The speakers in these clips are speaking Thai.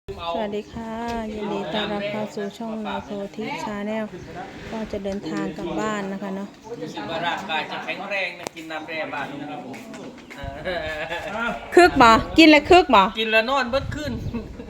สวัสดีค่ะยินดีต้อนรับเข้าสู่ช่องนาโพธิชาแนลก็จะเดินทางกลับบ้านนะคะเนาะคิดว่าร่างกายจะแข็งแรงนะกินน้ำแร่บ้านนะครับผมคึกบ่กินแล้วคึกบ่กินแล้วนอนเบิดขึ้น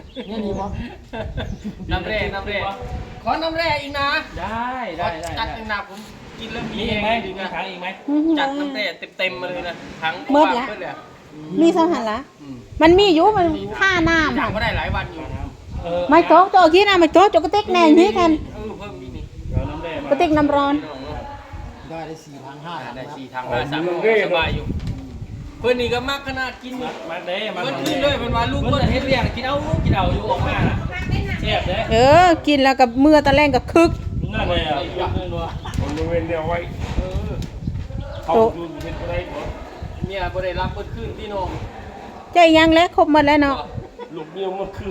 น้ำแร่ขอน้ำแร่อีกนะได้จัดอีกนะผมกินแล้วมีไหมดูนะถังอีกไหมจัดน้ำแร่เต็มมาเลยนะถังเมื่อละมีสังหารละมันมีอยู่มันค่าน้ำถังก็ได้หลายวันอยู่ไม่โต๊ะตัวกี้นะไม่โต๊ะจกกระติกแน่นี้กันเพิ่มนี่กระติกน้ำร้อนได้4,500 ได้4,500 3,000สบายอยู่เพื่อนนี่ก็มักขนาดกินมักเด้มันขึ้นเลยมันว่าลูกเพื่อนเฮ็ดเรียงกินเอาอยู่ออกมาแซ่บเด้กินแล้วกับเมื่อตะแรงกับคึกนั่นเลยอ่ะมันบริเวณเดียวไว้เขาดูเห็นอะไรเนี่ยบ่ได้รับเบิดขึ้นที่น้องใจยังแล้วครบหมดแล้วเนาะลูกเดียวมันคือ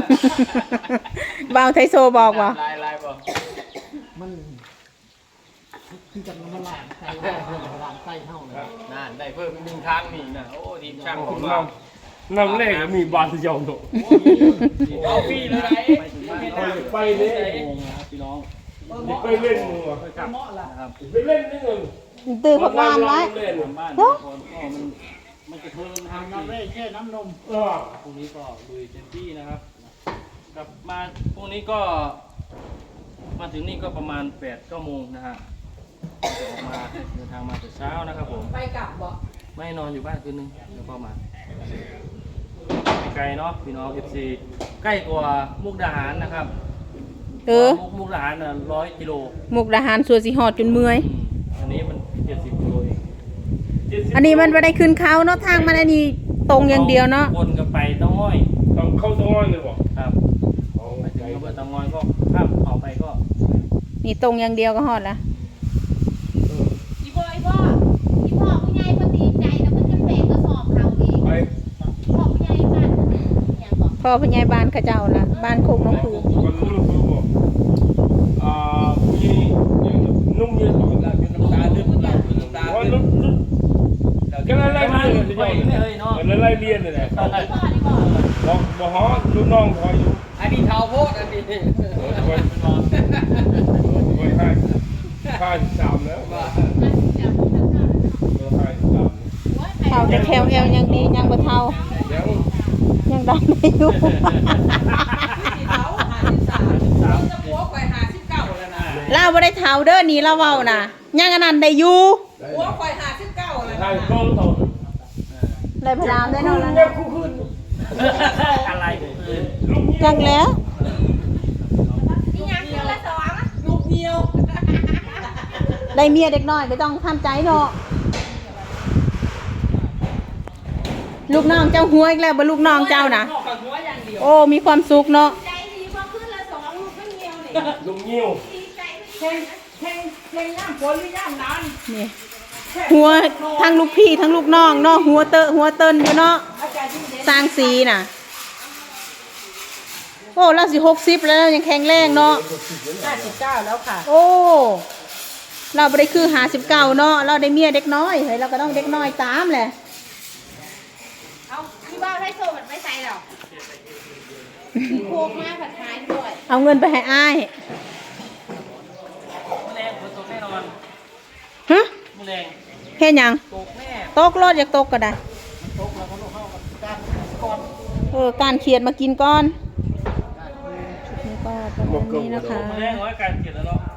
บ่าวไทโซบอกว่าลายบอกมันคือจับมันล้างไส้เท่าเลยนั่นได้เพิ่มอีก1ครั้งนี่นะโอ้ทีมช่างของเราน้ำแรกมีบาทเดียวโตเอาฟรีเลยไปเลยพี่น้องไปเล่นมือไปเล่นนิดนึงตื่นพักวานไว้เนาะมันจะเพิ่มน้ำแร่แค่น้ำนมพรุ่งนี้ก็ลุยเต็มที่นะครับกลับมาพรุ่งนี้ก็มาถึงนี่ก็ประมาณ 8-9 โมงนะฮะจะออกมาเดินทางมาแต่เช้านะครับผมไปกลับบ่ไม่นอนอยู่บ้านคืนนึงแล้วก็มาไกลเนาะพี่น้อง FC ใกล้กว่ามุกดาหารนะครับมุกดาหาร100 กิโลมุกดาหารสัวสิหอดจนเมื่อยอันนี้มัน70 กิโลเองอันนี้มันไม่ได้ขึ้นเขาเนาะทางมันอันนี้ตรงอย่างเดียวเนาะวนกันไปต้องห้อยต้องเข้าต้องห้อยเลยบอกครับไปถึงอำเภอเตางอยก็ข้ามเขาไปก็นี่ตรงอย่างเดียวก็ฮอดละอีพ่อผู้ใหญ่พอดีใจนะมันจะแบกกระสอบเขาเองพ่อผู้ใหญ่บ้านอย่างบอกพ่อผู้ใหญ่บ้านเขาเจ้าละบ้านโคกน้องผือผู้หญิงนุ่มเยอะของเราเป็นน้ำตาเลือดน้ำตาเลือดก็ไล่เรียนเลยเนาะไล่เรียนเลยแหละบอกฮอลูกน้องคอยอยู่อันนี้เท้าโพดอันนี้ 53แล้วเท่าจะแถวเอวยังดียังบ่เท่ายังดำได้อยู่เราบ่ได้เท่าเด้อนี่เราเว้าน่ะยังอันนั้นได้อยู่หัวข่อย59แล้วนะได้พลามได้เนาะแล้วอะไรจังแล้วนี่ยังคือละ2 ลูกเดียวได้เมียเด็กน้อยไม่ต้องทำใจเนาะลูกน้องเจ้าหัวอีกแล้วบ่ลูกน้องเจ้านะโอ้มีความสุขเนาะใจดีพอขึ้นละ2ลูกก็เงียวเลยลูกเงี้ยวแข่งน้ำฝนหรือย่ำนานนี่หัวทั้งลูกพี่ทั้งลูกน้องเนาะหัวเติ้นอยู่เนาะสร้างสีน่ะโอ้เราสิ60แล้วยังแข็งแรงเนาะ 59แล้วค่ะโอ้เราบ่ได้คือ59เนาะเราได้เมียเด็กน้อยเฮ้ยเราก็ต้องเด็กน้อยตามแหละเอาที่บ้านให้โซ่มันไม่ใส่หรอกโคกมาผัดไทยด้วยเอาเงินไปให้อ้ายแรงฝนตกแน่นอนฮะแรงแค่ยังตกแน่ตกรถอยากตกก็ได้ตกแล้วก็เข้ากับการก่อนการเขียดมากินก่อนชุดนี้ก็ประมาณนี้นะคะแรงน้อยการเขียนแล้วเนาะ